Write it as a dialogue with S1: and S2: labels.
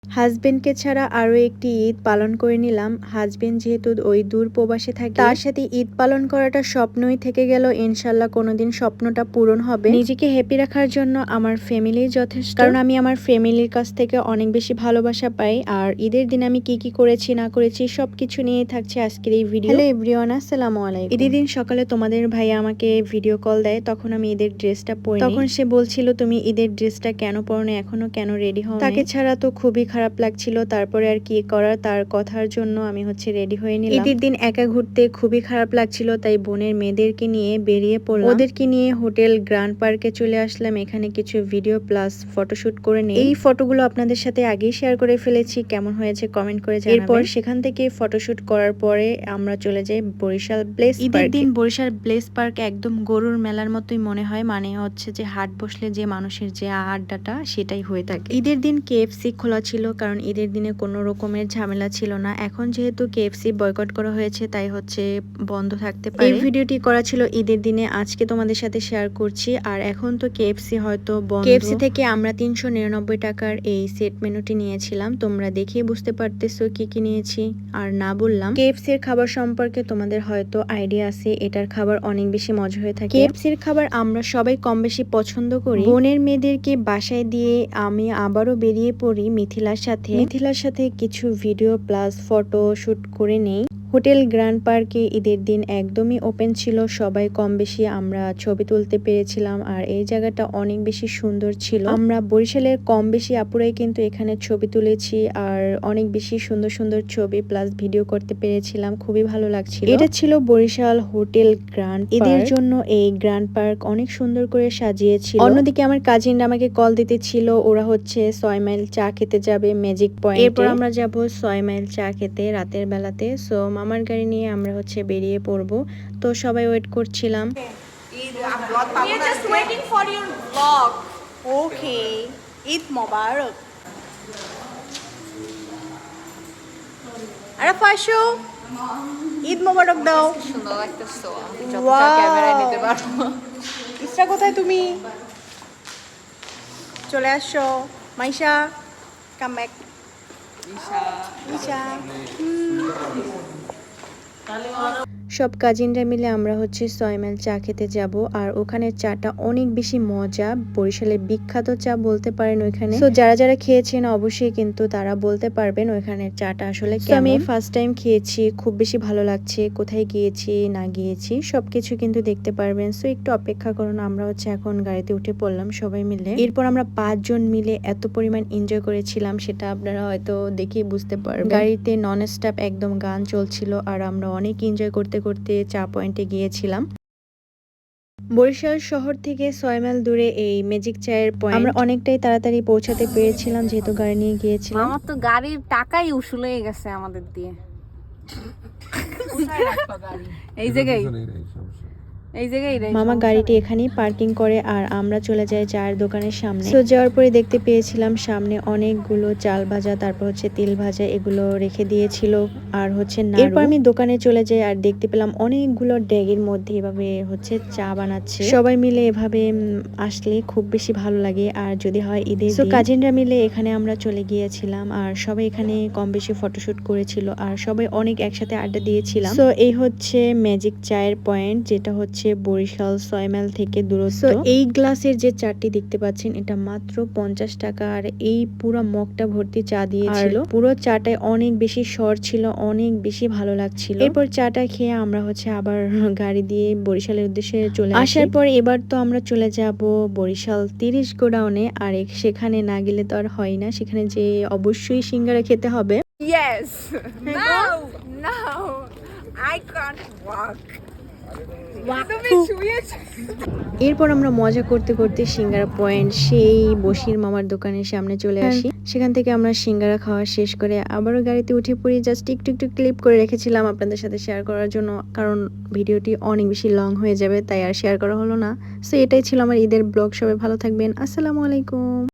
S1: হাসবেন্ডকে ছাড়া আরও একটি ঈদ পালন করে নিলাম। হাসবেন্ড যেহেতু ওই দূর প্রবাসে থাকে, তার সাথে ঈদ পালন করাটা স্বপ্নই থেকে গেল। ইনশাল্লাহ কোনোদিন স্বপ্নটা পূরণ হবে। নিজেকে হ্যাপি রাখার জন্য আমার ফ্যামিলি যথেষ্ট, কারণ আমি আমার ফ্যামিলির কাছ থেকে অনেক বেশি ভালোবাসা পাই। আর ঈদের দিন আমি কি কি করেছি না করেছি সবকিছু নিয়ে থাকছে আজকের এই ভিডিও। হ্যালো এভরিওয়ান, আসসালামু আলাইকুম। ঈদের দিন সকালে তোমাদের ভাইয়া আমাকে ভিডিও কল দেয়, তখন আমি ঈদের ড্রেসটা পরি। তখন সে বলছিল তুমি ঈদের ড্রেসটা কেন পরো না, এখনো কেন রেডি হও? তাকে ছাড়া তো খুবই খারাপ লাগছিল। তারপরে আর কি করার, তার কথার জন্য আমি রেডি হয়ে নিলাম। ঈদের দিন একা ঘুরতে খুবই খারাপ লাগছিল, তাই বোনের মেয়েদেরকে নিয়ে বেরিয়ে পড়লাম। ওদেরকে নিয়ে হোটেল গ্র্যান্ড পার্কে চলে আসলাম। এখানে কিছু ভিডিও প্লাস ফটোশুট করে নিই। এই ফটোগুলো আপনাদের সাথে আগেই শেয়ার করে ফেলেছি, কেমন হয়েছে কমেন্ট করে জানাবেন। এরপর সেখান থেকে ফটোশুট করার পরে আমরা চলে যাই বরিশাল প্লেস পার্কে। ঈদের দিন বরিশাল প্লেস পার্ক একদম গরুর মেলার মতোই মনে হয়, মানে হচ্ছে যে হাট বসলে যে মানুষের যে আড্ডাটা সেটাই হয়ে থাকে। ঈদের দিন KFC খোলা ছিল, কারণ ঈদের দিনে কোনো রকমের ঝামেলা ছিল না। এখন যেহেতু KFC বয়কট করা হয়েছে, তাই বন্ধ থাকতে পারে। এই ভিডিওটি করা ছিল ঈদের দিনে, আজকে তোমাদের সাথে শেয়ার করছি। আর এখন তো KFC হয়তো বন্ধ। KFC থেকে আমরা 399 টাকার এই সেট মেনুটি নিয়েছিলাম। তোমরা দেখেই বুঝতে পারতেছো কি কি নিয়েছি আর না বললাম। KFC এর খাবার সম্পর্কে তোমাদের হয়তো আইডিয়া আছে, এটার খাবার অনেক বেশি মজা হয়ে থাকে। KFC এর খাবার আমরা সবাই কম বেশি পছন্দ করি। বোনের মেয়েদেরকে বাসায় দিয়ে আমি আবারও বেরিয়ে পড়ি মিথিলার সাথে কিছু ভিডিও প্লাস ফটো শুট করে নেই। হোটেল গ্র্যান্ড পার্কে ঈদের দিন একদমই ওপেন ছিল, সবাই কম বেশি আমরা ছবি তুলতে পেরেছিলাম। আর এই জায়গাটা অনেক বেশি সুন্দর ছিল। আমরা বরিশালের কম বেশি আপুরাই কিন্তু এখানে ছবি তুলেছি, আর অনেক বেশি সুন্দর সুন্দর ছবি প্লাস ভিডিও করতে পেরেছিলাম, খুবই ভালো লাগছিল। এটা ছিল বরিশাল হোটেল গ্র্যান্ড পার্ক। ঈদের জন্য এই গ্র্যান্ড পার্ক অনেক সুন্দর করে সাজিয়েছিল। অন্যদিকে আমার কাজিনরা আমাকে কল দিতেছিল, ওরা 6 মাইল চা খেতে যাবে ম্যাজিক পয়েন্টে। এরপর আমরা যাব 6 মাইল চা খেতে রাতের বেলাতে। সো মামার গাড়ি নিয়ে আমরা বেরিয়ে পড়ব। তো সবাই ওয়েট করছিলাম। ঈদ মোবারক। আরে ফাশু, ঈদ মোবারক দাও। সুন্দর লাগতেছে, ক্যামেরায় নিতে পারবো। ইসরা কোথায় তুমি? চলে আসো মাইশা, কাম ব্যাক। সব কাজিনরা মিলে আমরা 6 মাইল চা খেতে যাব। আর ওখানে চাটা অনেক বেশি মজা, বরিশালের বিখ্যাত চা বলতে পারেন ওইখানে। তো যারা যারা খেয়েছেন অবশ্যই কিন্তু তারা বলতে পারবেন ওইখানের চাটা আসলে কেমন। আমি ফার্স্ট টাইম খেয়েছি, খুব বেশি ভালো লাগছে। কোথায় গিয়েছি না গিয়েছি সবকিছু কিন্তু দেখতে পারবেন। সো একটু অপেক্ষা করুন, আমরা এখন গাড়িতে উঠে পড়লাম সবাই মিলে। এরপর আমরা 5 জন মিলে এত পরিমাণ এনজয় করেছিলাম, সেটা আপনারা হয়তো দেখেই বুঝতে পারবেন। গাড়িতে নন স্টপ একদম গান চলছিল, আর আমরা অনেক এনজয় করতে করতে চা পয়েন্টে গিয়েছিলাম। বরিশাল শহর থেকে 6 মাইল দূরে এই ম্যাজিক চায়ের পয়েন্ট। আমরা অনেকটাই তাড়াতাড়ি পৌঁছাতে পেরেছিলাম, যেহেতু গাড়ি নিয়ে গিয়েছিলাম।
S2: আমার তো গাড়ির টাকাই উসুল হয়ে গেছে আমাদের দিয়ে। এই জায়গায়
S1: মামা গাড়িটি এখানেই পার্কিং করে, আর আমরা চলে যাই চায়ের দোকানের সামনে। তো যাওয়ার পরে দেখতে পেয়েছিলাম সামনে অনেকগুলো চাল ভাজা, তারপর তেল ভাজা, এগুলো রেখে দিয়েছিল। আর নাড়ু। এরপর আমি দোকানে চলে যাই, আর দেখতে পেলাম অনেকগুলো ড্যাগের মধ্যে এভাবে চা বানাচ্ছে। সবাই মিলে এভাবে আসলে খুব বেশি ভালো লাগে। আর যদি হয় ঈদের দিন, কাজিনরা মিলে এখানে আমরা চলে গিয়েছিলাম, আর সবাই এখানে কম বেশি ফটোশুট করেছিল, আর সবাই অনেক একসাথে আড্ডা দিয়েছিলাম। তো এই ম্যাজিক চায়ের পয়েন্ট, যেটা বরিশাল 6 মাইল থেকে দূরত্ব। এই গ্লাসের যে চাটি দেখতে পাচ্ছেন, এটা মাত্র 50 টাকা। আর এই পুরো মগটা ভর্তি চা দিয়েছিল। পুরো চাটায় অনেক বেশি স্বর ছিল, অনেক বেশি ভালো লাগছিল। এরপর চাটা খেয়ে আমরা আবার গাড়ি দিয়ে বরিশালের উদ্দেশ্যে চলে আসার পর এবার তো আমরা চলে যাব বরিশাল 30 গোডাউনে। আর সেখানে না গেলে তো আর হয় না, সেখানে যে অবশ্যই সিঙ্গারা খেতে হবে।
S2: Yes. No, I can't walk.
S1: এরপর আমরা মজা করতে করতে সিঙ্গারা পয়েন্ট সেই বশির মামার দোকানের সামনে চলে আসি। সেখান থেকে আমরা সিঙ্গারা খাওয়া শেষ করে আবারও গাড়িতে উঠে পড়ি। জাস্ট একটু একটু ক্লিপ করে রেখেছিলাম আপনাদের সাথে শেয়ার করার জন্য, কারণ ভিডিওটি অনেক বেশি লং হয়ে যাবে, তাই আর শেয়ার করা হলো না। সো এটাই ছিল আমার ঈদের ব্লগ। সবাই ভালো থাকবেন, আসসালামু আলাইকুম।